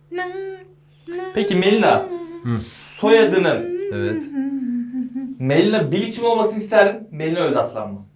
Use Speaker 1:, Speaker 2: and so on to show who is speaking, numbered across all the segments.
Speaker 1: Peki Melina, soyadının
Speaker 2: Evet.
Speaker 1: Melina Bilic mi olmasını isterdin, Melina Özaslan mı?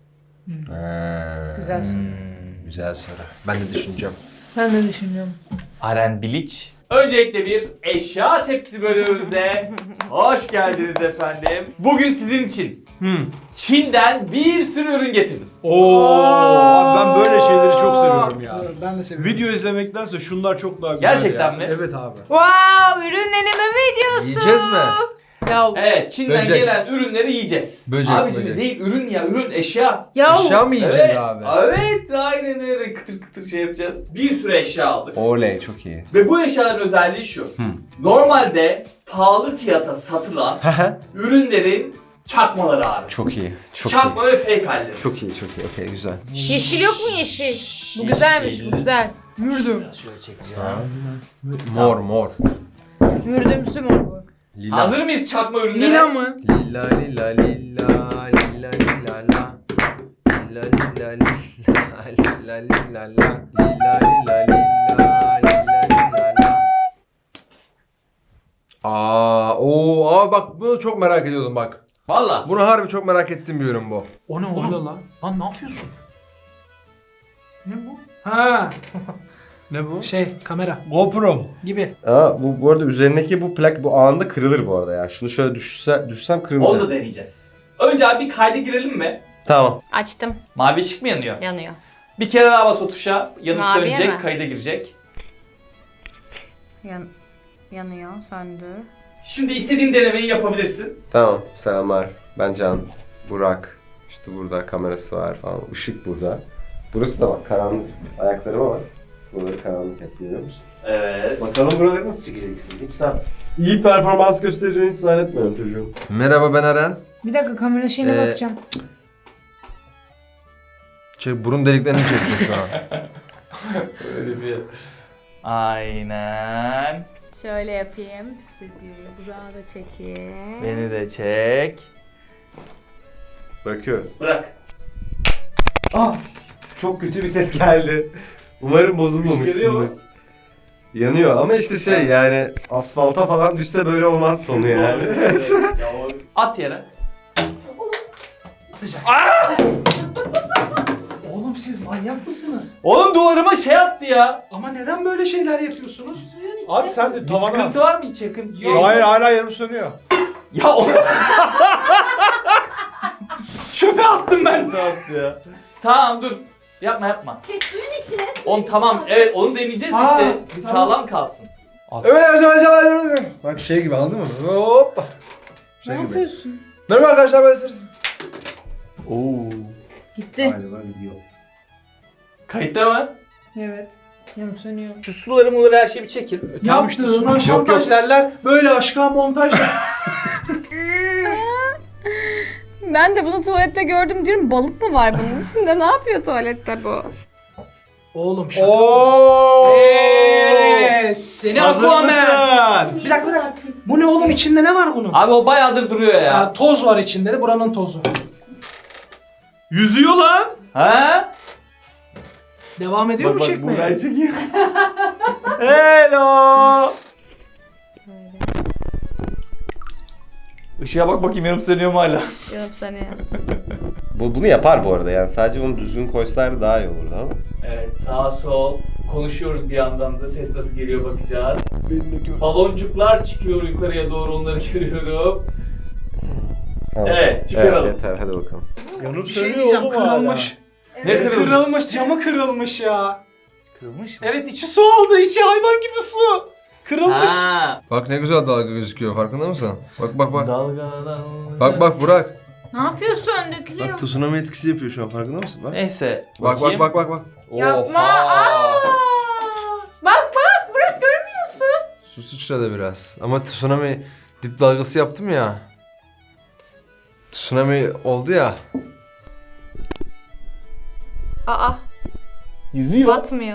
Speaker 3: Güzel soru.
Speaker 2: Güzel soru. Ben de düşüneceğim.
Speaker 3: Ben de düşünüyorum.
Speaker 1: Aren Bilic. Öncelikle bir eşya tepsi bölümümüze hoş geldiniz efendim. Bugün sizin için Çin'den bir sürü ürün getirdim.
Speaker 4: Abi ben böyle şeyleri çok seviyorum ya.
Speaker 5: Ben de seviyorum.
Speaker 4: Video izlemektense şunlar çok daha güzel
Speaker 1: Gerçekten
Speaker 4: ya.
Speaker 1: mi?
Speaker 4: Evet abi.
Speaker 3: Wow, ürün deneme videosu.
Speaker 2: Yiyeceğiz mi?
Speaker 3: Ya,
Speaker 1: Evet, Çin'den
Speaker 2: Böcek.
Speaker 1: gelen ürünleri yiyeceğiz.
Speaker 2: Böcek,
Speaker 1: Abi şimdi
Speaker 2: böcek.
Speaker 1: değil ürün ya, ürün eşya.
Speaker 3: ya
Speaker 2: Eşya mı yiyeceğiz
Speaker 1: Evet,
Speaker 2: abi?
Speaker 1: evet aynen öyle kıtır kıtır şey yapacağız. Bir sürü eşya aldık.
Speaker 2: Oley çok iyi.
Speaker 1: Ve bu eşyaların özelliği şu. Normalde pahalı fiyata satılan ürünlerin çakmaları abi.
Speaker 2: Çok iyi. Çok
Speaker 1: Çakma ve fake halleri.
Speaker 2: Çok iyi, çok iyi. Okey, güzel.
Speaker 3: yeşil yok mu yeşil? Bu güzelmiş, bu güzel. Mürdüm.
Speaker 1: Biraz şöyle çekeceğim.
Speaker 2: Mor, mor.
Speaker 3: Mürdümsü mor bu.
Speaker 2: Lila.
Speaker 1: Hazır mıyız çakma ürünlere?
Speaker 3: Lila mı?
Speaker 2: Lila, lila, lila, lila, lila, la. Lila, lila, lila, lila, lila, la. Lila, lila, lila, lila, lila, la. Bak bunu çok merak ediyordum bak.
Speaker 1: Valla.
Speaker 2: Bunu harbi çok merak ettiğim bir ürün bu.
Speaker 5: O ne oğlum? Lan ne yapıyorsun? Ne bu? Ha,
Speaker 4: Ne bu?
Speaker 5: kamera
Speaker 4: GoPro.
Speaker 5: gibi.
Speaker 2: Bu arada üzerindeki bu plak bu anında kırılır bu arada ya. Şunu şöyle düşsem kırılacak.
Speaker 1: Onu da deneyeceğiz. Önce abi bir kayda girelim mi?
Speaker 2: Tamam.
Speaker 3: Açtım.
Speaker 1: Mavi ışık mı yanıyor?
Speaker 3: Yanıyor.
Speaker 1: Bir kere daha bas o tuşa. Yanıp
Speaker 3: Maviye
Speaker 1: sönecek,
Speaker 3: mi?
Speaker 1: kayda girecek.
Speaker 3: Yanıyor, söndü.
Speaker 1: Şimdi istediğin denemeyi yapabilirsin.
Speaker 2: Tamam. Selamlar. Ben Can. Burak. İşte burada kamerası var falan. Işık burada. Burası da bak karanlık. Ayaklarıma bak. Buraları karanlık hep görüyor musun?
Speaker 1: Evet.
Speaker 2: Bakalım buraları nasıl çekeceksin? Hiç sen iyi performans göstereceğini hiç zannetmiyorum çocuğum. Merhaba ben Eren.
Speaker 3: Bir dakika kamera şeyine bakacağım.
Speaker 2: Burun deliklerini çekiyor şu an.
Speaker 1: Öyle bir... Aynen.
Speaker 3: Şöyle yapayım. Stüdyoyu burağa da çekeyim.
Speaker 1: Beni de çek.
Speaker 2: Bakıyorum.
Speaker 1: Bırak.
Speaker 2: Çok kötü bir ses geldi. Umarım bozulmamışsındır. Yanıyor ama işte şey yani asfalta falan düşse böyle olmaz sonu yani.
Speaker 1: At yere.
Speaker 5: Oğlum siz manyak mısınız?
Speaker 1: Oğlum duvarıma şey attı ya.
Speaker 5: Ama neden böyle şeyler yapıyorsunuz?
Speaker 4: At sen de
Speaker 1: Bir
Speaker 4: tavana.
Speaker 1: sıkıntı var mı hiç yakın?
Speaker 4: Hayır hala yarım sönüyor.
Speaker 1: Ya oğlum.
Speaker 4: Çöpe attım ben.
Speaker 1: Ne yaptı ya? Tamam dur. Yapma.
Speaker 3: Suyun içine.
Speaker 1: Tamam evet onu deneyeceğiz işte. Bir sağlam kalsın.
Speaker 2: Evet. Bak şey gibi anladın mı? Hoppa.
Speaker 3: Ne yapıyorsun?
Speaker 2: Merhaba arkadaşlar ben Esra.
Speaker 1: Oo.
Speaker 3: Gitti.
Speaker 2: Galiba gidiyor.
Speaker 1: Kayıtta mı?
Speaker 3: Evet. Yanıp sönüyor.
Speaker 1: Şu suları muları her şeyi bir çekin.
Speaker 4: Tamam işte
Speaker 5: Yaptığına
Speaker 4: su- yok,
Speaker 5: şantaj derler. Böyle aşka montaj der.
Speaker 6: Ben de bunu tuvalette gördüm diyorum. Balık mı var bunun içinde? Ne yapıyor tuvalette bu?
Speaker 5: Oğlum şaka.
Speaker 2: Ooo.
Speaker 5: Seni
Speaker 4: Hazır
Speaker 5: Aquaman.
Speaker 4: mısın?
Speaker 5: Bir dakika. Bu ne oğlum, içinde ne var bunun?
Speaker 1: Abi o bayağıdır duruyor ya.
Speaker 5: Ya, toz var içinde de, buranın tozu.
Speaker 4: Yüzüyor lan.
Speaker 1: Ha?
Speaker 5: Devam ediyor mu çekmeye?
Speaker 1: çekeyim. Hello. Işığa bak bakayım yanıp sönüyor mu hala?
Speaker 3: Yanıp sönüyor.
Speaker 2: Bunu yapar bu arada yani sadece bunu düzgün koysalar daha iyi olurdu ama.
Speaker 1: Evet sağ sol konuşuyoruz bir yandan da ses nasıl geliyor bakacağız. Baloncuklar çıkıyor yukarıya doğru onları görüyorum.
Speaker 2: Tamam.
Speaker 1: Evet çıkaralım.
Speaker 2: Evet, yeter hadi bakalım.
Speaker 4: Yanıp
Speaker 5: Bir şey
Speaker 4: sönüyor
Speaker 5: diyeceğim,
Speaker 4: oğlum hala.
Speaker 5: kırılmış.
Speaker 1: Ne kırılmış?
Speaker 5: Kırılmış, camı kırılmış ya.
Speaker 1: Kırılmış mı?
Speaker 5: Evet, içi su aldı, içi hayvan gibi su. Kırılmış.
Speaker 1: Ha.
Speaker 2: Bak ne güzel dalga gözüküyor farkında mısın? Bak.
Speaker 1: Dalga.
Speaker 2: Bak Burak.
Speaker 3: Ne yapıyorsun? Dökülüyor.
Speaker 2: Bak tsunami etkisi yapıyor şu an farkında mısın? Bak.
Speaker 1: Neyse.
Speaker 2: Bak.
Speaker 3: Yapma.
Speaker 1: Oha.
Speaker 3: Bak Burak görmüyorsun.
Speaker 2: Su sıçradı biraz. Ama tsunami dip dalgası yaptım ya. Tsunami oldu ya.
Speaker 3: Aa,
Speaker 1: Yüzüyor.
Speaker 3: batmıyor.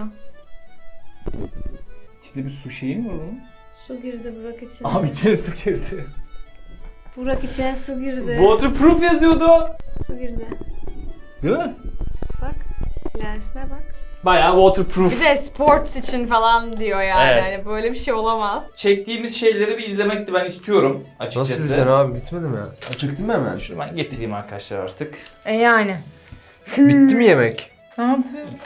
Speaker 1: İçinde bir su şeyi mi var onun?
Speaker 3: Su girdi Burak içine.
Speaker 1: Abi içine su girdi.
Speaker 3: Burak içine su girdi.
Speaker 1: Waterproof yazıyordu.
Speaker 3: Su girdi.
Speaker 1: Değil mi?
Speaker 3: Bak. Lensine bak.
Speaker 1: Bayağı waterproof.
Speaker 7: Bir de sports için falan diyor yani.
Speaker 1: Evet.
Speaker 7: Hani böyle bir şey olamaz.
Speaker 1: Çektiğimiz şeyleri bir izlemekti ben istiyorum açıkçası.
Speaker 2: Nasıl izleyeceksin abi? Bitmedi mi? Açıktı mı hemen?
Speaker 1: Şunu ben getireyim arkadaşlar artık.
Speaker 3: Yani.
Speaker 2: Bitti mi yemek?
Speaker 3: Ne yapıyorsun?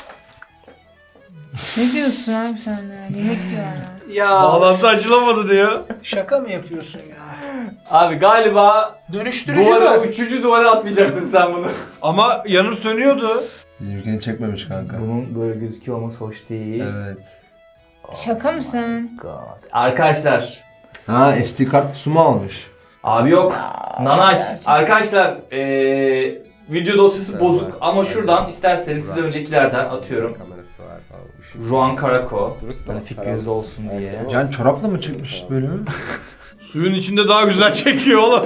Speaker 3: Ne diyorsun abi sen ya? Yemek diyor hala.
Speaker 5: Ya
Speaker 4: Bağlantı açılamadı diyor.
Speaker 5: şaka mı yapıyorsun ya?
Speaker 1: Abi galiba
Speaker 5: Dönüştürücü
Speaker 1: duvara,
Speaker 5: mü?
Speaker 1: 3. duvara atmayacaktın sen bunu.
Speaker 4: Ama yanım sönüyordu.
Speaker 2: Bizimkini çekmemiş kanka.
Speaker 1: Bunun böyle gözüküyor olması hoş değil.
Speaker 2: Evet.
Speaker 3: Şaka mısın?
Speaker 1: God. Arkadaşlar.
Speaker 2: Ha SD kart su mu almış?
Speaker 1: Abi yok. Nanaş.
Speaker 3: gerçekten.
Speaker 1: Arkadaşlar video dosyası
Speaker 2: Evet,
Speaker 1: bozuk
Speaker 2: evet.
Speaker 1: ama şuradan
Speaker 2: Evet.
Speaker 1: isterseniz size öncekilerden atıyorum.
Speaker 2: Kamerası var falan.
Speaker 1: Juan Karako. Hani fikriniz olsun diye.
Speaker 2: Can çorapla mı çekmiş bölümü?
Speaker 4: Suyun içinde daha güzel çekiyor oğlum.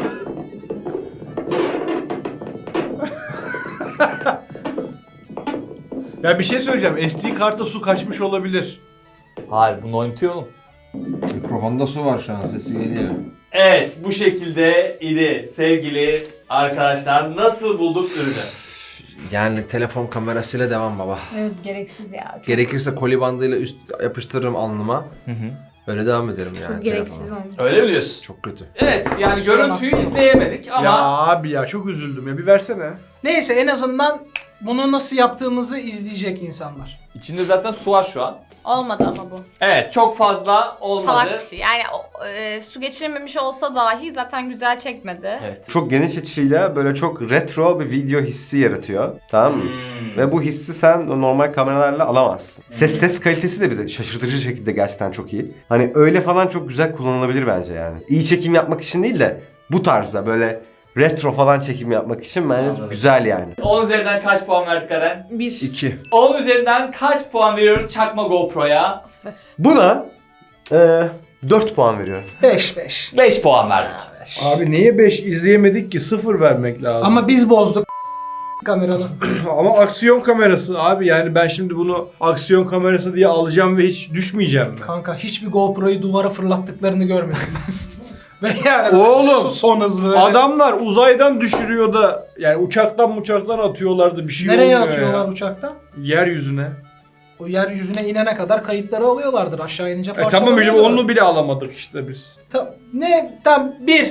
Speaker 4: Ya bir şey söyleyeceğim. SD kartta su kaçmış olabilir.
Speaker 1: Hayır bunu oynatıyor oğlum.
Speaker 2: Mikrofonda su var şu an, sesi geliyor.
Speaker 1: Evet bu şekilde idi sevgili arkadaşlar. Nasıl bulduk ürünü?
Speaker 2: Yani telefon kamerasıyla devam baba.
Speaker 3: Evet gereksiz ya. Çok,
Speaker 2: Gerekirse koli bandıyla üst yapıştırırım alnıma.
Speaker 1: Hı hı.
Speaker 2: Öyle devam ederim yani.
Speaker 3: çok gereksiz
Speaker 2: telefona.
Speaker 3: olmuş.
Speaker 1: Öyle mi diyorsun?
Speaker 2: Çok kötü.
Speaker 1: Evet yani
Speaker 5: Kusura
Speaker 1: görüntüyü
Speaker 5: bakma.
Speaker 1: izleyemedik ama
Speaker 4: Ya abi ya çok üzüldüm ya. Bir versene.
Speaker 5: Neyse en azından bunu nasıl yaptığımızı izleyecek insanlar.
Speaker 1: içinde zaten su var şu an.
Speaker 7: Olmadı ama bu.
Speaker 1: Evet çok fazla olmadı.
Speaker 7: Salak bir şey. Yani su geçirmemiş olsa dahi zaten güzel çekmedi.
Speaker 1: Evet.
Speaker 8: Çok geniş açıyla böyle çok retro bir video hissi yaratıyor. Tamam mı?
Speaker 1: Hmm.
Speaker 8: Ve bu hissi sen normal kameralarla alamazsın. Ses kalitesi de bir de şaşırtıcı şekilde gerçekten çok iyi. Hani öyle falan çok güzel kullanılabilir bence yani. İyi çekim yapmak için değil de bu tarzda böyle retro falan çekim yapmak için bence
Speaker 1: Anladım.
Speaker 8: güzel yani.
Speaker 1: 10 üzerinden kaç puan verdik Eren?
Speaker 3: 1.
Speaker 2: 2.
Speaker 1: 10 üzerinden kaç puan veriyorum çakma GoPro'ya?
Speaker 7: 0.
Speaker 8: Buna 4 puan veriyorum.
Speaker 5: 5.
Speaker 1: 5 puan verdik.
Speaker 4: Abi niye 5 izleyemedik ki? 0 vermek lazım.
Speaker 5: Ama biz bozduk kameranı.
Speaker 4: Ama aksiyon kamerası abi, yani ben şimdi bunu aksiyon kamerası diye alacağım ve hiç düşmeyeceğim mi?
Speaker 5: Kanka hiçbir GoPro'yu duvara fırlattıklarını görmedim. Ve yani
Speaker 4: Oğlum,
Speaker 5: son hız böyle.
Speaker 4: Adamlar uzaydan düşürüyor da yani uçaktan atıyorlardı, bir şey
Speaker 5: Nereye
Speaker 4: olmuyor
Speaker 5: atıyorlar
Speaker 4: ya.
Speaker 5: uçaktan?
Speaker 4: Yeryüzüne.
Speaker 5: O yeryüzüne inene kadar kayıtları alıyorlardır. Aşağı inince
Speaker 4: Tamam
Speaker 5: parçalanıyorlar.
Speaker 4: hocam, onu bile alamadık işte biz.
Speaker 5: Ne? Tam 1.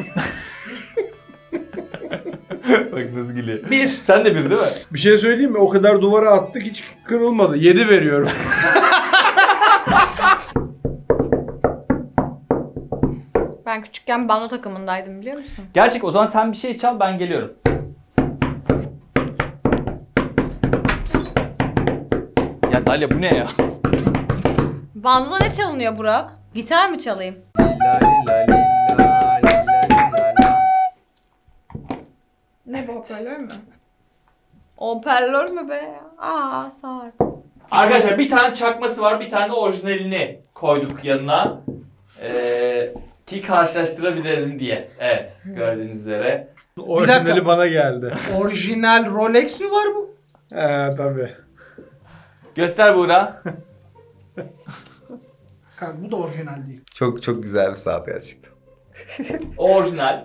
Speaker 1: Bak nasıl gülüyor.
Speaker 5: 1.
Speaker 1: Sen de bir değil mi?
Speaker 4: Bir şey söyleyeyim mi? O kadar duvara attık, hiç kırılmadı. 7 veriyorum.
Speaker 7: Ben küçükken bando takımındaydım biliyor musun?
Speaker 1: Gerçek o zaman sen bir şey çal ben geliyorum. Ya Dalia bu ne ya?
Speaker 7: Bandoda ne çalınıyor Burak? Gitar mı çalayım? Ne bu, hoparlör mü? Hoparlör mü be? Aa saat.
Speaker 1: Arkadaşlar bir tane çakması var, bir tane de orijinalini koyduk yanına. Ki karşılaştırabilirim diye. Evet, gördüğünüz üzere.
Speaker 4: Orijinali bana geldi.
Speaker 5: Orijinal Rolex mi var bu?
Speaker 4: Tabii.
Speaker 1: Göster Buğra.
Speaker 5: Kanka bu da orijinal değil.
Speaker 8: Çok çok güzel bir saat gerçekten.
Speaker 1: O orijinal.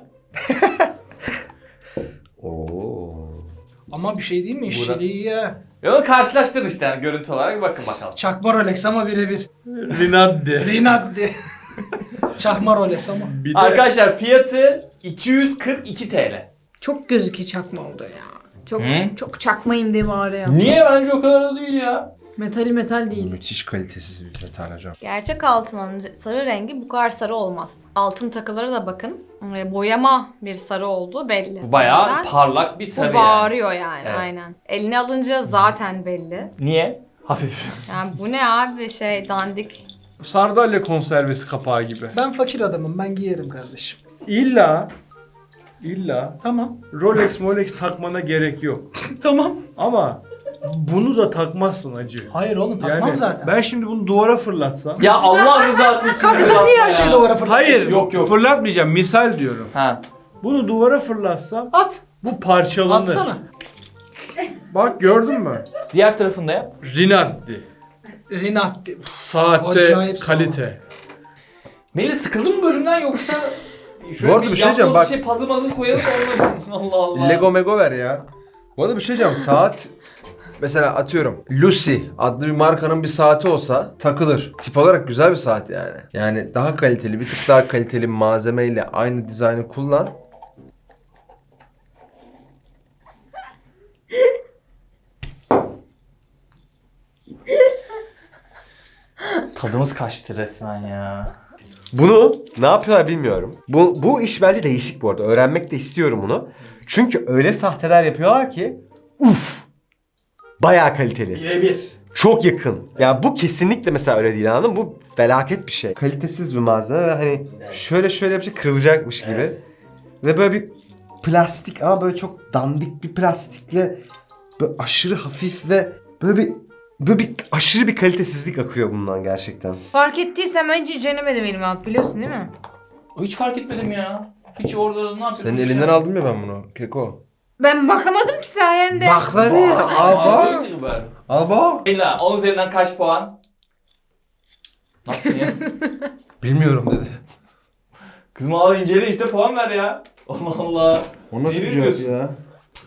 Speaker 8: Oo.
Speaker 5: Ama bir şey değil mi?
Speaker 1: Burak.
Speaker 5: İşçiliği ya.
Speaker 1: Onu karşılaştır işte yani görüntü olarak bir bakın bakalım.
Speaker 5: Çakma Rolex ama birebir.
Speaker 4: Rinaldi.
Speaker 5: Rinaldi. Çakma Rolex ama.
Speaker 4: Bir de
Speaker 1: Arkadaşlar fiyatı 242 TL.
Speaker 3: Çok gözüküyor çakma oldu ya. Çok
Speaker 1: Hı?
Speaker 3: çok çakmayım diye bağırıyor.
Speaker 1: Niye? Bence o kadar da değil ya.
Speaker 3: Metali metal değil.
Speaker 2: Müthiş kalitesiz bir metal hocam.
Speaker 7: Gerçek altının sarı rengi bu kadar sarı olmaz. Altın takıları da bakın. Boyama bir sarı olduğu belli.
Speaker 1: Bu bayağı
Speaker 7: Neden?
Speaker 1: parlak bir
Speaker 7: Bu
Speaker 1: sarı yani.
Speaker 7: bağırıyor yani
Speaker 1: Evet.
Speaker 7: aynen. Eline alınca zaten belli.
Speaker 1: Niye? Hafif.
Speaker 7: Yani bu ne abi dandik.
Speaker 4: sardalya konservesi kapağı gibi.
Speaker 5: Ben fakir adamım. Ben giyerim kardeşim.
Speaker 4: İlla
Speaker 5: Tamam.
Speaker 4: Rolex takmana gerek yok.
Speaker 5: Tamam.
Speaker 4: Ama bunu da takmazsın acı.
Speaker 5: Hayır oğlum takmam
Speaker 4: Yani
Speaker 5: zaten.
Speaker 4: ben şimdi bunu duvara fırlatsam.
Speaker 1: Ya Allah rızası için.
Speaker 5: Kanka sen niye her şeyi duvara fırlatıyorsun?
Speaker 4: Hayır,
Speaker 1: Yok.
Speaker 4: fırlatmayacağım, misal diyorum.
Speaker 1: Ha.
Speaker 4: Bunu duvara fırlatsam
Speaker 5: At.
Speaker 4: bu parçalanır.
Speaker 5: Atsana.
Speaker 4: Bak gördün mü?
Speaker 1: Diğer tarafında yap.
Speaker 4: Rinaldi.
Speaker 5: Rinaldi.
Speaker 4: Saatte
Speaker 5: Acayip
Speaker 4: kalite.
Speaker 1: Melih sıkıldın mı bölümden yoksa
Speaker 2: Bu arada bir şey diyeceğim, bak.
Speaker 1: Bir şey puzzle koyalım da olmadı. Allah Allah.
Speaker 2: Lego mego ver ya. Bu arada bir şey diyeceğim, saat mesela atıyorum Lucy adlı bir markanın bir saati olsa takılır. Tip olarak güzel bir saat yani. Yani daha kaliteli, bir tık daha kaliteli bir malzemeyle aynı dizaynı kullan.
Speaker 1: Tadımız kaçtı resmen ya.
Speaker 8: Bunu ne yapıyorlar bilmiyorum. Bu iş bence değişik bu arada. Öğrenmek de istiyorum bunu. Çünkü öyle sahteler yapıyorlar ki uf! Bayağı kaliteli.
Speaker 1: Birebir.
Speaker 8: Çok yakın. Ya bu kesinlikle mesela öyle değil, anladın mı? Bu felaket bir şey. Kalitesiz bir malzeme ve hani şöyle yapacak kırılacakmış gibi.
Speaker 1: Evet.
Speaker 8: Ve böyle bir plastik ama böyle çok dandik bir plastik ve böyle aşırı hafif ve böyle bir aşırı bir kalitesizlik akıyor bundan gerçekten.
Speaker 3: Fark ettiysen ben hiç denemedim elime alıp, biliyorsun değil mi?
Speaker 1: Hiç fark etmedim ya. Hiç orada ne yapıyorsun?
Speaker 2: Senin elinden aldım ya ben bunu Keko.
Speaker 3: Ben bakamadım ki sayende.
Speaker 2: Bak lan ya. Al bak. Al bak.
Speaker 1: Ela 10 üzerinden kaç puan? Ne yaptın ya?
Speaker 2: Bilmiyorum dedi.
Speaker 1: Kızım al incele işte puan ver ya. Allah Allah.
Speaker 2: O nasıl
Speaker 1: Ne
Speaker 2: bir
Speaker 1: bilmiyorsun?
Speaker 2: cevap ya?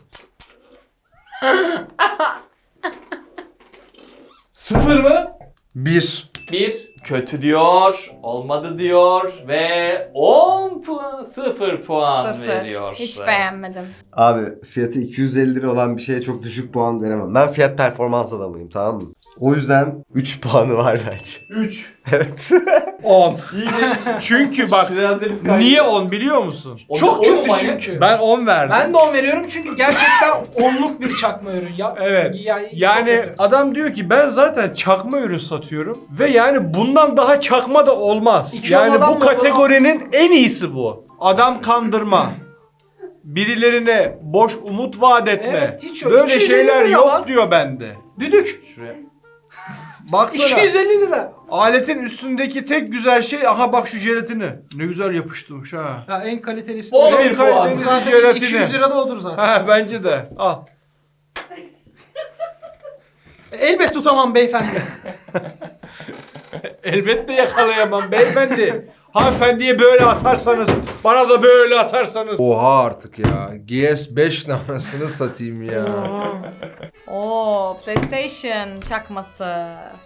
Speaker 1: Sıfır mı?
Speaker 2: 1.
Speaker 1: 1. Kötü diyor. Olmadı diyor. Ve 10 puan. 0 puan
Speaker 7: Sıfır.
Speaker 1: veriyor.
Speaker 7: Hiç
Speaker 1: Evet.
Speaker 7: beğenmedim.
Speaker 8: Abi fiyatı 250 lira olan bir şeye çok düşük puan veremem. Ben fiyat performans adamıyım, tamam mı? O yüzden 3 puanı var bence.
Speaker 4: 3.
Speaker 8: Evet.
Speaker 4: 10.
Speaker 1: İyice
Speaker 4: Çünkü bak
Speaker 1: Şirazemiz kaydı.
Speaker 4: niye 10 biliyor musun?
Speaker 5: Çok
Speaker 1: Onu
Speaker 5: kötü
Speaker 1: manyak.
Speaker 5: çünkü.
Speaker 4: Ben 10 verdim.
Speaker 5: Ben de 10 veriyorum çünkü gerçekten 10'luk bir çakma ürün. Ya,
Speaker 4: Evet.
Speaker 5: çok
Speaker 4: Yani
Speaker 5: kötü.
Speaker 4: adam diyor ki ben zaten çakma ürün satıyorum ve yani bundan daha çakma da olmaz.
Speaker 5: İki
Speaker 4: Yani
Speaker 5: olmadan
Speaker 4: bu
Speaker 5: da
Speaker 4: kategorinin en iyisi bu. Adam kandırma. Birilerine boş umut vaat etme.
Speaker 5: Evet, hiç yok.
Speaker 4: Böyle
Speaker 5: 250
Speaker 4: şeyler
Speaker 5: lira
Speaker 4: yok
Speaker 5: lan.
Speaker 4: diyor bende.
Speaker 5: Düdük.
Speaker 1: Şuraya.
Speaker 4: Baksana.
Speaker 5: 250 lira.
Speaker 4: Aletin üstündeki tek güzel şey, aha bak şu jelatini. Ne güzel yapıştırmış ha.
Speaker 5: Ya en kalitelisi.
Speaker 1: On
Speaker 5: öyle.
Speaker 1: bir puan.
Speaker 4: Kaliteli
Speaker 5: Zaten
Speaker 4: jelatini.
Speaker 5: 200 lira da odur zaten.
Speaker 4: Ha bence de. Al.
Speaker 5: Elbet tutamam beyefendi.
Speaker 4: Elbette yakalayamam beyefendi. Hanımefendiye böyle atarsanız, bana da böyle atarsanız.
Speaker 2: Oha artık ya. GS5 anasını satayım ya.
Speaker 7: Oo, PlayStation çakması.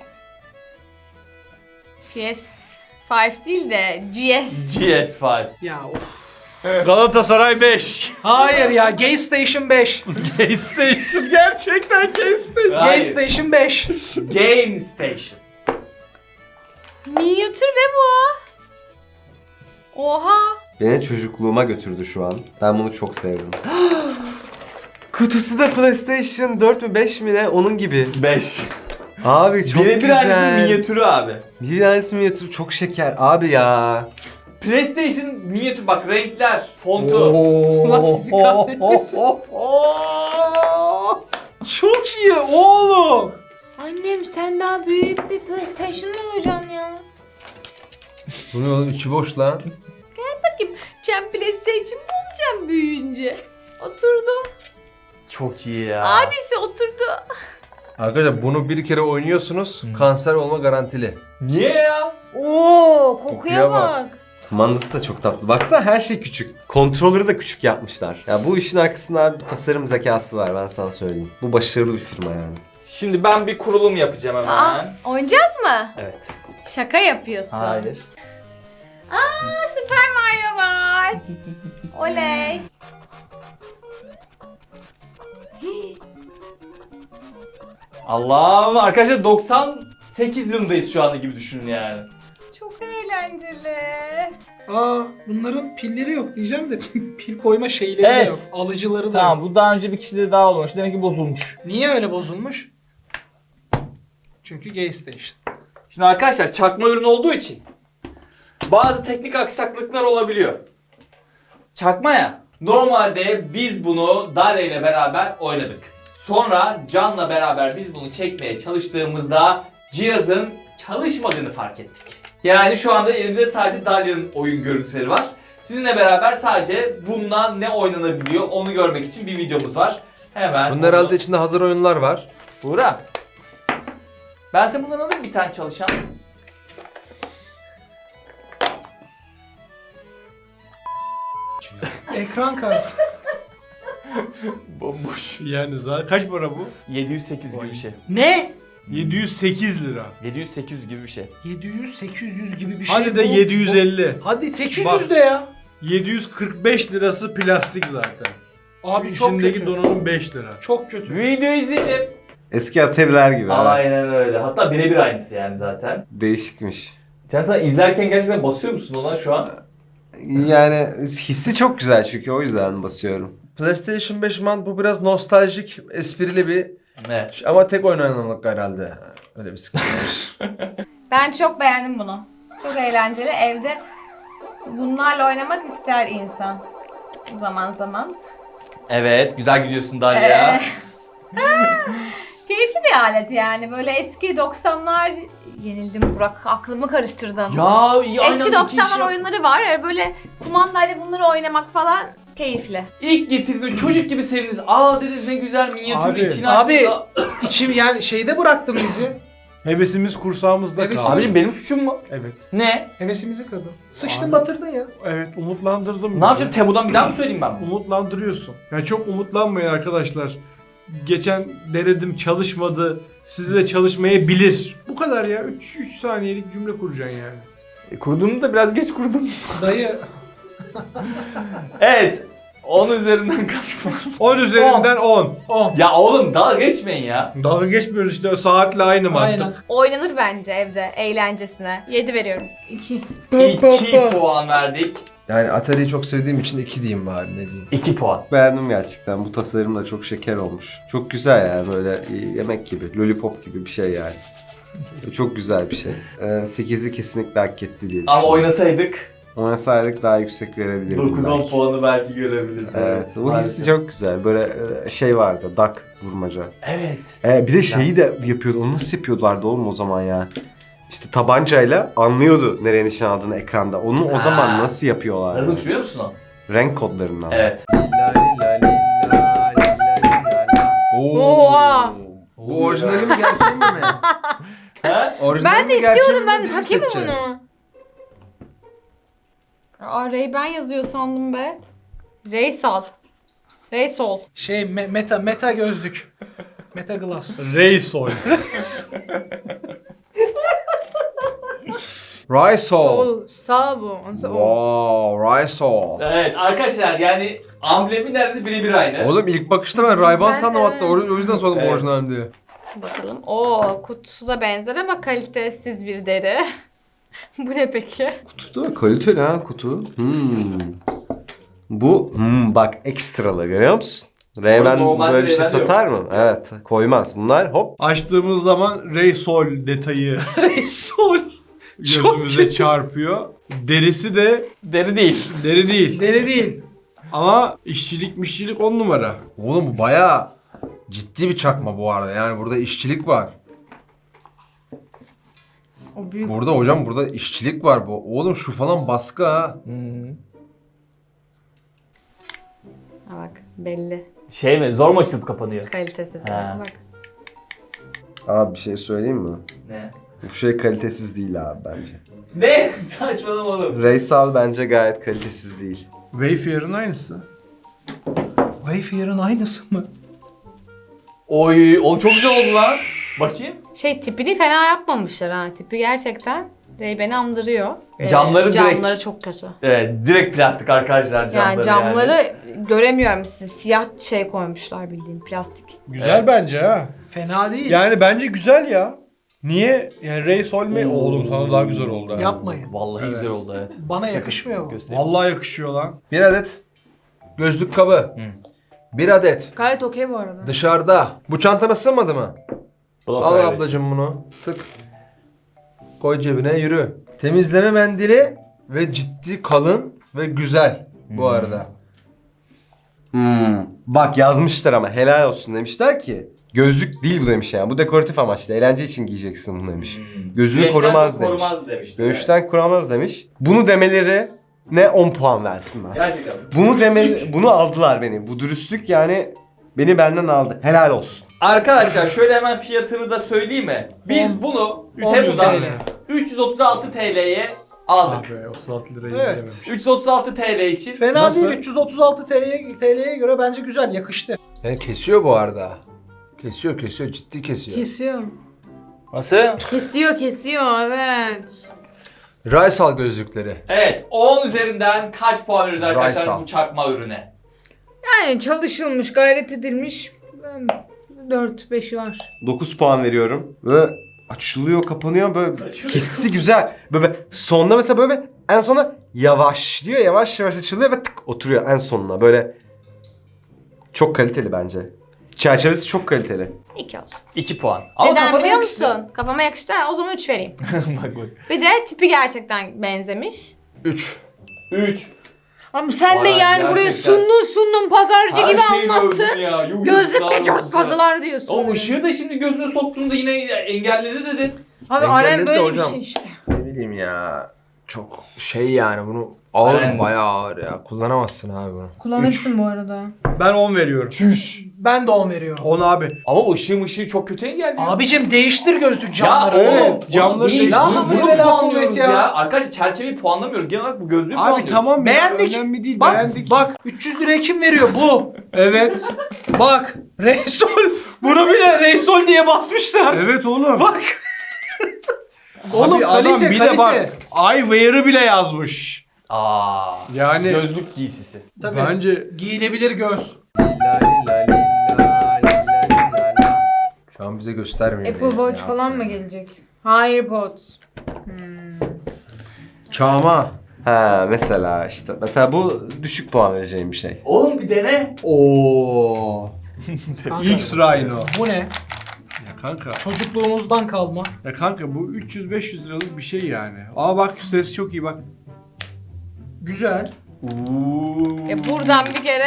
Speaker 7: PS5 değil de GS.
Speaker 1: GS5.
Speaker 5: Ya of.
Speaker 4: Galatasaray 5.
Speaker 5: Hayır ya, Gay Station 5.
Speaker 4: Gay Station, gerçekten Gay Station.
Speaker 5: Gay
Speaker 1: Hayır.
Speaker 5: Station 5.
Speaker 1: Game Station.
Speaker 7: Minyatür be bu. Oha.
Speaker 8: Beni çocukluğuma götürdü şu an. Ben bunu çok sevdim. Kutusu da PlayStation 4 mü 5 mi ne? Onun gibi.
Speaker 1: 5.
Speaker 8: Abi çok
Speaker 1: Birebir aynısının
Speaker 8: güzel.
Speaker 1: minyatürü abi.
Speaker 8: Bir tanesi minyatür, çok şeker. Abi ya.
Speaker 1: PlayStation minyatür bak, renkler, fontu.
Speaker 5: Allah sizi kahretmesin. Çok iyi oğlum.
Speaker 3: Annem sen daha büyük bir PlayStation mı alacaksın ya?
Speaker 2: Bu ne oğlum, içi boş lan.
Speaker 7: Sen PlayStation mı olacaksın büyüyünce? Oturdu.
Speaker 1: Çok iyi ya.
Speaker 7: Abisi oturdu.
Speaker 2: Arkadaşlar bunu bir kere oynuyorsunuz, kanser olma garantili.
Speaker 1: Niye ya?
Speaker 3: Oo, kokuya
Speaker 2: Kokuya bak.
Speaker 3: bak.
Speaker 8: Kumandası da çok tatlı. Baksana her şey küçük. Kontrolörü de küçük yapmışlar. Ya bu işin arkasında bir tasarım zekası var, ben sana söyleyeyim. Bu başarılı bir firma yani.
Speaker 1: Şimdi ben bir kurulum yapacağım hemen.
Speaker 7: Aa, oynayacağız mı?
Speaker 1: Evet.
Speaker 7: Şaka yapıyorsun.
Speaker 1: Hayır.
Speaker 7: Aa, Super Mario var. Oley.
Speaker 1: Allah'ım, arkadaşlar 98 yılındayız şu anda gibi düşünün yani.
Speaker 7: Çok eğlenceli.
Speaker 5: Aa, bunların pilleri yok diyeceğim de pil koyma şeyleri
Speaker 1: Evet.
Speaker 5: de yok. Alıcıları da
Speaker 1: Tamam,
Speaker 5: yok.
Speaker 1: bu daha önce bir kişide daha olmamış. Demek ki bozulmuş.
Speaker 5: Niye öyle bozulmuş? Çünkü Gay Station.
Speaker 1: Şimdi arkadaşlar çakma ürün olduğu için bazı teknik aksaklıklar olabiliyor. Çakma ya. Normalde biz bunu Dalia ile beraber oynadık. Sonra Can'la beraber biz bunu çekmeye çalıştığımızda cihazın çalışmadığını fark ettik. Yani şu anda elimizde sadece Dalia'nın oyun görüntüleri var. Sizinle beraber sadece bundan ne oynanabiliyor onu görmek için bir videomuz var. Hemen
Speaker 2: Bunun herhalde içinde hazır oyunlar var.
Speaker 1: Buğra. Ben sen bundan alayım bir tane çalışan.
Speaker 5: Ekran kartı.
Speaker 1: Bomboş.
Speaker 4: Yani zaten kaç para bu?
Speaker 1: 700-800 gibi bir şey.
Speaker 5: Ne?
Speaker 4: 708 lira.
Speaker 1: 700-800 gibi bir şey.
Speaker 5: 700-800 gibi bir şey.
Speaker 4: Hadi de
Speaker 5: bu.
Speaker 4: 750.
Speaker 5: Hadi 800
Speaker 4: Bak.
Speaker 5: de ya.
Speaker 4: 745 lirası plastik zaten.
Speaker 5: Abi çok
Speaker 4: İçindeki
Speaker 5: kötü.
Speaker 4: donanım 5 lira.
Speaker 5: Çok kötü.
Speaker 1: Video izleyelim.
Speaker 8: Eski Atari'ler gibi. ha.
Speaker 1: Aynen öyle. Hatta birebir aynısı yani zaten.
Speaker 8: Değişikmiş.
Speaker 1: Sen izlerken gerçekten basıyor musun ona şu an?
Speaker 8: Yani hissi çok güzel çünkü o yüzden basıyorum.
Speaker 2: PlayStation 5 man bu biraz nostaljik, esprili bir
Speaker 1: Ne?
Speaker 2: ama tek oynanımlık herhalde. Öyle bir sıkıntı var.
Speaker 7: Ben çok beğendim bunu. Çok eğlenceli. Evde bunlarla oynamak ister insan. Zaman zaman.
Speaker 1: Evet, güzel gidiyorsun Dalia.
Speaker 7: Keyifli bir alet yani. Böyle eski 90'lar... Yenildim Burak. Aklımı karıştırdın.
Speaker 1: Ya iyi aynen
Speaker 7: Eski
Speaker 1: iki
Speaker 7: 90'lar
Speaker 1: iş
Speaker 7: oyunları var. Böyle kumandayla bunları oynamak falan keyifli.
Speaker 1: İlk getirdiğinde çocuk gibi sevindiniz. Aa deriz ne güzel minyatür
Speaker 4: Abi,
Speaker 1: içine
Speaker 5: abi.
Speaker 1: açtığında-
Speaker 5: İçim yani şeyde bıraktım bizi.
Speaker 4: Hevesimiz kursağımızda
Speaker 5: Hevesimiz-
Speaker 4: kaldı.
Speaker 1: Abicim benim suçum mu?
Speaker 4: Evet.
Speaker 1: Ne?
Speaker 5: Hevesimizi kırdın. Sıçtın
Speaker 4: Abi.
Speaker 5: batırdın ya.
Speaker 4: Evet, umutlandırdım bizi.
Speaker 1: Ne yapacağım? Tebu'dan bir daha mı söyleyeyim ben?
Speaker 4: Umutlandırıyorsun. Yani çok umutlanmayın arkadaşlar. Geçen denedim çalışmadı. Sizi de çalışmayabilir. Bu kadar ya. 3 saniyelik cümle kuracaksın yani.
Speaker 1: Kurduğunu da biraz geç kurdum.
Speaker 5: Dayı
Speaker 1: Evet. 10 üzerinden kaç puan?
Speaker 4: 10 üzerinden 10.
Speaker 5: 10.
Speaker 1: Ya oğlum dalga geçmeyin ya.
Speaker 4: Dalga geçmiyoruz işte, o saatle aynı mantık.
Speaker 5: Aynen.
Speaker 7: Oynanır bence evde eğlencesine. 7 veriyorum.
Speaker 3: 2.
Speaker 1: 2 puan verdik.
Speaker 2: Yani Atari'yi çok sevdiğim için 2 diyeyim bari, ne diyeyim.
Speaker 1: 2 puan.
Speaker 8: Beğendim gerçekten. Bu tasarım da çok şeker olmuş. Çok güzel yani, böyle yemek gibi, lollipop gibi bir şey yani. Çok güzel bir şey. 8'i kesinlikle hak etti diye
Speaker 1: Ama
Speaker 8: düşünüyorum.
Speaker 1: oynasaydık
Speaker 8: Oynasaydık daha yüksek verebilirdim
Speaker 1: 9-10
Speaker 8: belki.
Speaker 1: puanı belki görebilirdik.
Speaker 8: Evet, bu
Speaker 1: Maalesef.
Speaker 8: hissi çok güzel. Böyle şey vardı, duck vurmaca.
Speaker 1: Evet.
Speaker 8: Bir de şeyi de yapıyordu. Onu nasıl yapıyorlardı oğlum o zaman ya? İşte tabancayla anlıyordu nereye nişan aldığını ekranda. Onu o zaman
Speaker 1: Ha.
Speaker 8: nasıl yapıyorlar?
Speaker 1: Nasıl biliyor musun o?
Speaker 8: Renk kodlarından.
Speaker 1: Evet.
Speaker 3: Oha!
Speaker 2: Bu orijinali mi gerçeği mi?
Speaker 1: He?
Speaker 2: Orijinali
Speaker 3: Ben de
Speaker 2: mi, gerçeği
Speaker 3: istiyordum,
Speaker 2: mi,
Speaker 3: ben
Speaker 2: biz mi
Speaker 3: takayım mı
Speaker 2: seçeceğiz?
Speaker 3: bunu?
Speaker 7: Aa Ray-Ban yazıyor sandım be. Raysal. Raysol.
Speaker 5: Şey meta gözlük. Meta glass.
Speaker 4: Raysol.
Speaker 2: Rysol.
Speaker 3: Sol. Sağ bu. Ondan o.
Speaker 2: Wow, Rysol.
Speaker 1: Evet arkadaşlar yani amblemi neredeyse birebir aynı.
Speaker 2: Oğlum ilk bakışta ben Ray-Ban
Speaker 3: Ben
Speaker 2: sandım
Speaker 3: de.
Speaker 2: hatta, o yüzden sordum
Speaker 1: Evet.
Speaker 2: orijinal diye.
Speaker 7: Bakalım. Oo kutusu da benzer ama kalitesiz bir deri. Bu ne peki?
Speaker 8: Kutu da kaliteli ha kutu. Bu bak ekstralı görüyor musun? Ray-Ban
Speaker 1: Normalde
Speaker 8: böyle bir şey
Speaker 1: Ray-Ban yok.
Speaker 8: satar mı? Evet, koymaz. Bunlar hop.
Speaker 4: Açtığımız zaman Raysol detayı
Speaker 5: Sol.
Speaker 4: gözümüze çarpıyor. Derisi de
Speaker 1: Deri değil.
Speaker 4: deri değil.
Speaker 5: Deri değil.
Speaker 4: Ama işçilik 10 numara.
Speaker 2: Oğlum bu bayağı ciddi bir çakma bu arada. Yani burada işçilik var.
Speaker 3: O büyük.
Speaker 2: Burada hocam, burada işçilik var bu. Oğlum şu falan baskı ha.
Speaker 7: Ha bak belli.
Speaker 1: Şey mi? Zor mu açılıp kapanıyor?
Speaker 7: Kalitesiz.
Speaker 1: Ha.
Speaker 7: Bak.
Speaker 8: Abi bir şey söyleyeyim mi?
Speaker 1: Ne?
Speaker 8: Bu şey kalitesiz değil abi bence.
Speaker 1: Ne? Saçmalama oğlum.
Speaker 8: Raysal bence gayet kalitesiz değil.
Speaker 4: Wayfarer'ın aynısı.
Speaker 5: Wayfarer'ın aynısı mı?
Speaker 1: Oy, o çok güzel oldu lan. Bakayım.
Speaker 7: Şey tipini fena yapmamışlar ha. Tipi gerçekten Ray-Ban'i andırıyor.
Speaker 1: Camları direkt-
Speaker 7: Camları çok kötü.
Speaker 1: Evet, direkt plastik arkadaşlar camları
Speaker 7: Yani camları göremiyorum siz. Siyah şey koymuşlar bildiğin plastik.
Speaker 4: Güzel
Speaker 1: Evet.
Speaker 4: bence ha.
Speaker 5: Fena değil.
Speaker 4: Yani bence güzel ya. Niye? Yani Raysol mi? Oğlum sana daha güzel oldu ha.
Speaker 5: Yapmayın.
Speaker 1: Vallahi
Speaker 4: Evet.
Speaker 1: güzel oldu evet.
Speaker 5: Bana yakışmıyor bu.
Speaker 1: Göstereyim.
Speaker 4: Vallahi yakışıyor lan.
Speaker 2: Bir adet gözlük kabı. Bir adet
Speaker 3: Gayet okey bu arada.
Speaker 2: dışarıda. Bu çantana sığmadı mı?
Speaker 1: Blok
Speaker 2: Al
Speaker 1: ailesi.
Speaker 2: ablacığım bunu. Tık. Koy cebine, yürü. Temizleme mendili ve ciddi, kalın ve güzel bu arada.
Speaker 8: Bak yazmışlar ama helal olsun demişler ki. Gözlük değil bu demiş yani. Bu dekoratif amaçlı. Eğlence için giyeceksin bunu demiş. Gözünü
Speaker 1: Güneşten
Speaker 8: korumaz
Speaker 1: çok
Speaker 8: demiş.
Speaker 1: korumaz demiş.
Speaker 8: Güneşten korumaz demiş. Bunu demeleri ne 10 puan verdim ben.
Speaker 1: Gerçekten.
Speaker 8: Bunu aldılar beni. Bu dürüstlük yani beni benden aldı. Helal olsun.
Speaker 1: Arkadaşlar şöyle hemen fiyatını da söyleyeyim mi? Biz bunu
Speaker 5: 10
Speaker 1: Temu'dan
Speaker 5: TL.
Speaker 1: 336 TL'ye Aldık.
Speaker 4: Abi 36 lirayı
Speaker 5: Evet.
Speaker 4: yememiş.
Speaker 1: 336 TL için.
Speaker 5: Fena
Speaker 4: Nasıl?
Speaker 5: değil. 336 TL'ye göre bence güzel, yakıştı.
Speaker 2: Yani kesiyor bu arada. Kesiyor ciddi kesiyor.
Speaker 3: Kesiyor.
Speaker 1: Nasıl?
Speaker 3: Kesiyor evet.
Speaker 2: Raysal gözlükleri.
Speaker 1: Evet 10 üzerinden kaç puan veriyoruz arkadaşlar
Speaker 2: Raysal.
Speaker 1: bu çakma ürüne?
Speaker 3: Yani çalışılmış, gayret edilmiş. 4-5'i var.
Speaker 8: 9 puan veriyorum. Ve açılıyor, kapanıyor böyle hissi güzel. Böyle sonda mesela böyle en sona yavaşlıyor, yavaş yavaş açılıyor ve tık oturuyor en sonuna. Böyle çok kaliteli bence. Çerçevesi çok kaliteli.
Speaker 7: 2 olsun.
Speaker 1: 2 puan. Ama
Speaker 7: Neden
Speaker 1: kafana
Speaker 7: biliyor
Speaker 1: yakıştı.
Speaker 7: musun? Kafama yakıştı. O zaman 3 vereyim.
Speaker 1: Bak bak.
Speaker 7: Bir de tipi gerçekten benzemiş.
Speaker 2: 3.
Speaker 1: 3.
Speaker 3: Ama sen de
Speaker 1: Vay,
Speaker 3: yani buraya
Speaker 1: gerçekten.
Speaker 3: sundun pazarcı gibi anlattın.
Speaker 1: Ya. Yuh,
Speaker 3: Gözlükle
Speaker 1: yazıklar olsun
Speaker 3: çatladılar
Speaker 1: sana.
Speaker 3: diyorsun.
Speaker 1: O ışığı da şimdi gözüne soktuğunda yine engelledi dedin.
Speaker 3: Abi
Speaker 2: Engelledi
Speaker 3: Aren
Speaker 2: de
Speaker 3: böyle
Speaker 2: hocam.
Speaker 3: bir şey işte.
Speaker 2: Ne bileyim ya. Çok şey yani bunu ağır
Speaker 1: Aynen.
Speaker 2: bayağı ağır ya. Kullanamazsın abi bunu.
Speaker 3: Kullanırsın bu arada.
Speaker 4: Ben 10 veriyorum.
Speaker 5: Ben de 10 veriyorum.
Speaker 4: 10 abi.
Speaker 1: Ama ışığı çok kötü engelliyor.
Speaker 5: Abicim değiştir gözlük
Speaker 1: ya
Speaker 5: camları.
Speaker 1: oğlum
Speaker 4: camları
Speaker 1: değil.
Speaker 4: değil.
Speaker 5: La
Speaker 1: Bunu
Speaker 5: hamle ve la
Speaker 1: puanlıyoruz
Speaker 5: kuvvet ya.
Speaker 1: Arkadaşlar çerçeveyi puanlamıyoruz. Genel olarak bu gözlüğü
Speaker 4: Abi
Speaker 1: puanlıyoruz.
Speaker 4: tamam
Speaker 5: Beğendik.
Speaker 4: ya önemli değil
Speaker 5: Bak
Speaker 4: beğendik.
Speaker 5: bak 300 liraya kim veriyor bu?
Speaker 4: Evet.
Speaker 5: Bak Reysol bunu bile Reysol diye basmışlar.
Speaker 4: Evet oğlum.
Speaker 5: Bak. Oğlum
Speaker 4: Abi adam
Speaker 5: kalite
Speaker 4: bir
Speaker 5: kalite.
Speaker 4: de bak eyewear'ı bile yazmış.
Speaker 1: Aa.
Speaker 4: Yani
Speaker 1: Gözlük giysisi.
Speaker 5: Tabii.
Speaker 4: bence
Speaker 5: Giyilebilir göz.
Speaker 2: Şu an bize göstermiyor.
Speaker 3: Apple
Speaker 2: ne
Speaker 3: Watch falan
Speaker 2: yaptığını.
Speaker 3: mı gelecek? Hayır Pods.
Speaker 2: Çağma.
Speaker 8: Ha mesela işte. Mesela bu düşük puan vereceğim bir şey.
Speaker 1: Oğlum bir dene.
Speaker 4: ooo.
Speaker 5: Kanka,
Speaker 4: X Rhino.
Speaker 5: Bu ne?
Speaker 4: Ya kanka.
Speaker 5: Çocukluğumuzdan kalma.
Speaker 4: Ya kanka bu 300-500 liralık bir şey yani. Aa bak ses çok iyi bak.
Speaker 5: Güzel.
Speaker 7: Buradan bir kere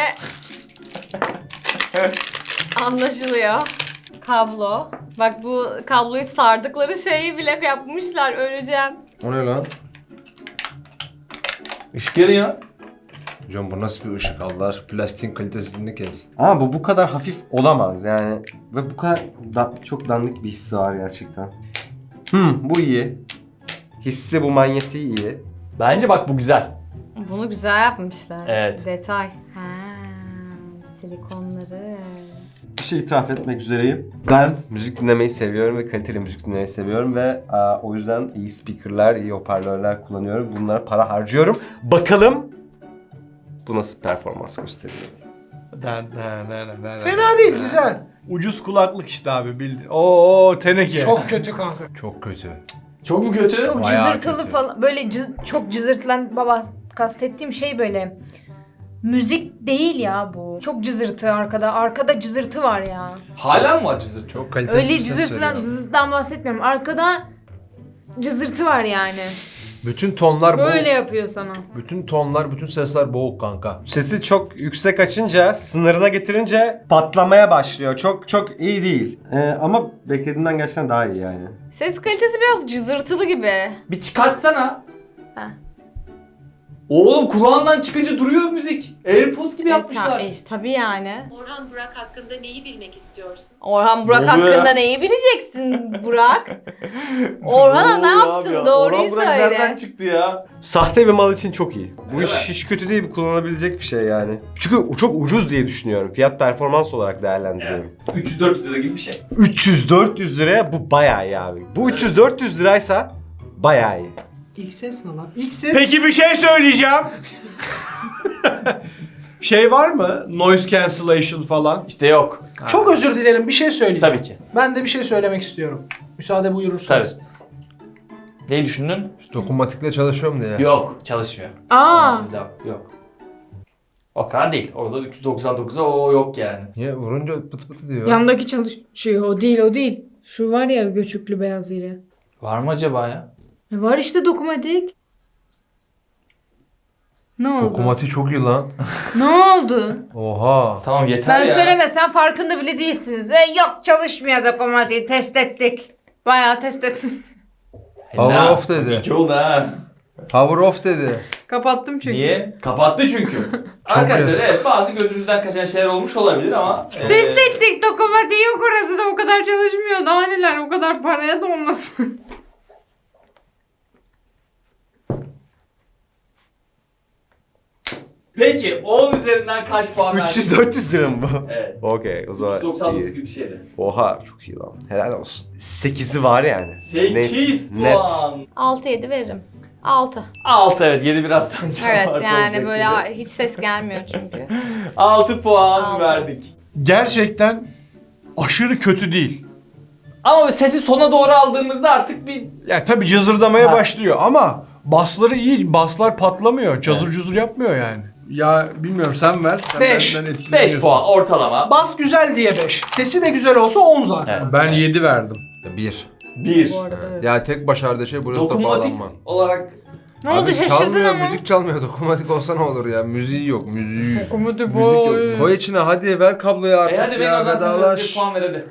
Speaker 7: anlaşılıyor. Kablo. Bak bu kabloyu sardıkları şeyi bile yapmışlar. Öleceğim.
Speaker 2: O ne lan?
Speaker 1: Işık yanıyor.
Speaker 2: Hocam bu nasıl bir ışık Allah aşkına? Plastiğin kalitesini kes.
Speaker 8: Ama bu kadar hafif olamaz yani. Ve bu kadar çok dandik bir hissi var gerçekten. Bu iyi. Hissi bu manyetiği iyi.
Speaker 1: Bence bak bu güzel.
Speaker 7: Bunu güzel yapmışlar.
Speaker 1: Evet.
Speaker 7: Detay. Silikonları.
Speaker 8: Bir şey itiraf etmek üzereyim. Ben müzik dinlemeyi seviyorum ve kaliteli müzik dinlemeyi seviyorum ve o yüzden iyi speakerlar, iyi hoparlörler kullanıyorum. Bunlara para harcıyorum. Bakalım bu nasıl performans gösteriyor.
Speaker 5: Fena değil, güzel.
Speaker 4: Ucuz kulaklık işte abi bildi. Oo teneke.
Speaker 5: Çok kötü kanka.
Speaker 2: Çok kötü.
Speaker 1: Çok mu kötü?
Speaker 3: Çok
Speaker 2: Bayağı
Speaker 3: cızırtılı
Speaker 2: kötü.
Speaker 3: falan. Böyle çok cızırtılan baba kastettiğim şey böyle. Müzik değil ya bu. Çok cızırtı arkada. Arkada cızırtı var ya.
Speaker 1: Hala mı var cızırtı?
Speaker 2: Çok kalitesiz
Speaker 3: Öyle
Speaker 2: bir ses
Speaker 3: cızırtıdan
Speaker 2: veriyor.
Speaker 3: dızdan bahsetmiyorum. Arkada cızırtı var yani.
Speaker 2: Bütün tonlar
Speaker 3: Böyle
Speaker 2: boğuk.
Speaker 3: yapıyor sana.
Speaker 2: Bütün tonlar, bütün sesler boğuk kanka.
Speaker 8: Sesi çok yüksek açınca, sınırına getirince patlamaya başlıyor. Çok çok iyi değil. Ama beklediğimden gerçekten daha iyi yani.
Speaker 7: Ses kalitesi biraz cızırtılı gibi.
Speaker 1: Bir çıkartsana.
Speaker 7: Heh.
Speaker 1: Oğlum kulağından çıkınca duruyor müzik. AirPods gibi yapmışlar.
Speaker 7: Tabii yani.
Speaker 9: Orhan Burak hakkında neyi bilmek istiyorsun?
Speaker 7: Orhan Burak
Speaker 1: Ne oluyor
Speaker 7: hakkında
Speaker 1: ya?
Speaker 7: neyi bileceksin Burak? Orhan'a ne yaptın? Doğruyu
Speaker 1: Orhan Burak nereden
Speaker 7: söyle.
Speaker 1: çıktı ya?
Speaker 8: Sahte bir mal için çok iyi. Bu
Speaker 1: Öyle
Speaker 8: iş
Speaker 1: mi?
Speaker 8: hiç kötü değil, kullanabilecek bir şey yani. Çünkü çok ucuz diye düşünüyorum. Fiyat performans olarak değerlendiriyorum.
Speaker 1: 300-400 lira gibi bir şey.
Speaker 8: 300-400 liraya bu bayağı iyi abi. Bu 300-400 liraysa bayağı iyi.
Speaker 5: İlk ses ne lan? İlk ses.
Speaker 4: Peki bir şey söyleyeceğim. Şey var mı? Noise cancellation falan.
Speaker 1: İşte yok.
Speaker 5: Çok özür dilerim, bir şey söyleyeceğim.
Speaker 1: Tabii ki.
Speaker 5: Ben de bir şey söylemek istiyorum. Müsaade buyurursanız.
Speaker 1: Neyi düşündün?
Speaker 2: Dokunmatikle çalışıyor mu diye.
Speaker 1: Yok, çalışmıyor.
Speaker 3: Aa.
Speaker 1: Bizde yok. O kadar değil. Orada 399'a o yok yani.
Speaker 2: Niye? Vurunca pıtı pıtı diyor.
Speaker 3: Yandaki çalışıyor. O değil. Şu var ya göçüklü beyaz yeri.
Speaker 1: Var mı acaba ya?
Speaker 3: Var işte dokunmatik. Ne oldu?
Speaker 2: Dokunmatik çok iyi lan.
Speaker 3: Ne oldu?
Speaker 2: Oha.
Speaker 1: Tamam yeter
Speaker 3: Ben
Speaker 1: ya.
Speaker 3: söylemesem farkında bile değilsiniz. Yok çalışmıyor dokunmatik. Test ettik. Bayağı test etmiş.
Speaker 2: Power off dedi.
Speaker 1: İki oldu ha.
Speaker 2: Power off dedi.
Speaker 3: Kapattım çünkü.
Speaker 1: Niye? Kapattı çünkü. Arkadaşlar
Speaker 2: yazık.
Speaker 1: evet bazı gözümüzden kaçan şeyler olmuş olabilir ama...
Speaker 3: Test ettik. Dokunmatik yok orası da o kadar çalışmıyor. Daha neler o kadar paraya da olmasın.
Speaker 1: Peki 10 üzerinden kaç puan verdin?
Speaker 8: 300-400 lira mı bu?
Speaker 1: Evet.
Speaker 8: Okey o zaman
Speaker 1: 399
Speaker 8: iyi.
Speaker 1: gibi bir şeydi.
Speaker 8: Oha çok iyi lan. Helal olsun. 8'i var yani.
Speaker 1: 8
Speaker 8: Net.
Speaker 1: puan.
Speaker 7: 6-7 veririm. 6.
Speaker 1: 6 evet 7 biraz sanki
Speaker 7: Evet
Speaker 1: abartı
Speaker 7: yani
Speaker 1: olacak
Speaker 7: böyle
Speaker 1: gibi.
Speaker 7: hiç ses gelmiyor çünkü.
Speaker 1: 6 puan
Speaker 7: 6.
Speaker 1: verdik.
Speaker 4: Gerçekten aşırı kötü değil.
Speaker 1: Ama sesi sona doğru aldığımızda artık bir
Speaker 4: Ya tabii cızırdamaya
Speaker 1: Ha.
Speaker 4: başlıyor ama basları iyi. Baslar patlamıyor. Cazır cuzur yapmıyor yani. Ya bilmiyorum sen ver. Sen
Speaker 5: 5.
Speaker 4: benden etkileniyorsun.
Speaker 1: 5 puan ortalama.
Speaker 5: Bas güzel diye 5. Sesi de güzel olsa 10 zaten.
Speaker 1: Evet.
Speaker 4: Ben 7 verdim.
Speaker 2: 1.
Speaker 1: 1.
Speaker 3: Bu arada evet.
Speaker 2: Ya tek başardığı şey Bluetooth'a
Speaker 1: Dokunmatik
Speaker 2: bağlanma.
Speaker 1: olarak
Speaker 3: Ne oldu
Speaker 2: Abi
Speaker 3: şaşırdın
Speaker 2: çalmıyor,
Speaker 3: ama.
Speaker 2: müzik çalmıyor. Dokunmatik olsa ne olur ya? Müziği yok, müziği.
Speaker 3: Dokunmatik
Speaker 2: Müzik yok.
Speaker 3: boy.
Speaker 2: Koy içine hadi ver kabloyu artık
Speaker 1: hadi benim
Speaker 2: ya.
Speaker 1: o zaman sen
Speaker 2: Vedalaş.
Speaker 1: hızlıca puan ver hadi.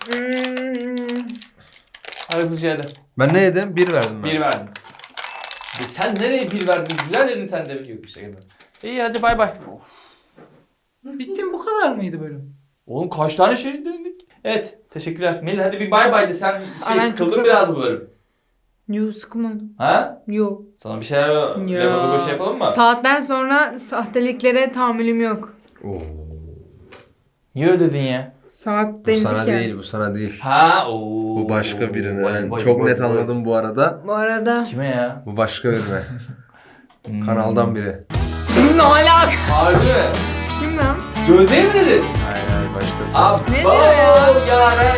Speaker 1: Hızlıca hadi.
Speaker 2: Ben ne yedim? 1 verdim ben.
Speaker 1: 1 verdin. Sen nereye 1 verdin? Güzel dedin sen de. Yok bir şey. İyi hadi bay bay.
Speaker 5: Bitti mi? Bu kadar mıydı bölüm?
Speaker 1: Oğlum kaç tane şey dedik? Evet teşekkürler. Melih hadi bir bay bay de sen
Speaker 3: Ay, ben
Speaker 1: sıkıldın
Speaker 3: çok
Speaker 1: biraz bu bölüm.
Speaker 3: Yo sıkmadım.
Speaker 1: Ha?
Speaker 3: Yo.
Speaker 1: Sana bir şeyler legodogo şey yapalım mı?
Speaker 3: Saatten sonra sahteliklere tahammülüm yok.
Speaker 2: Oo.
Speaker 1: Niye öyle dedin ya?
Speaker 3: Saat
Speaker 2: Bu
Speaker 3: denedik
Speaker 2: sana
Speaker 3: ya.
Speaker 2: değil, bu sana değil.
Speaker 1: Ha ooo.
Speaker 2: Bu başka birine.
Speaker 1: Vay,
Speaker 2: Yani
Speaker 1: vay,
Speaker 2: çok
Speaker 1: vay,
Speaker 2: net
Speaker 1: vay.
Speaker 2: anladım bu arada.
Speaker 3: Bu arada.
Speaker 1: Kime ya?
Speaker 2: Bu başka birine. Kanaldan biri.
Speaker 3: Ne alaka?
Speaker 1: Harbi mi?
Speaker 3: Kim lan?
Speaker 1: Gözde'ye mi dedin?
Speaker 2: Hayır hayır başkası.
Speaker 1: Abo
Speaker 3: Ne diyor ya?
Speaker 1: Yaren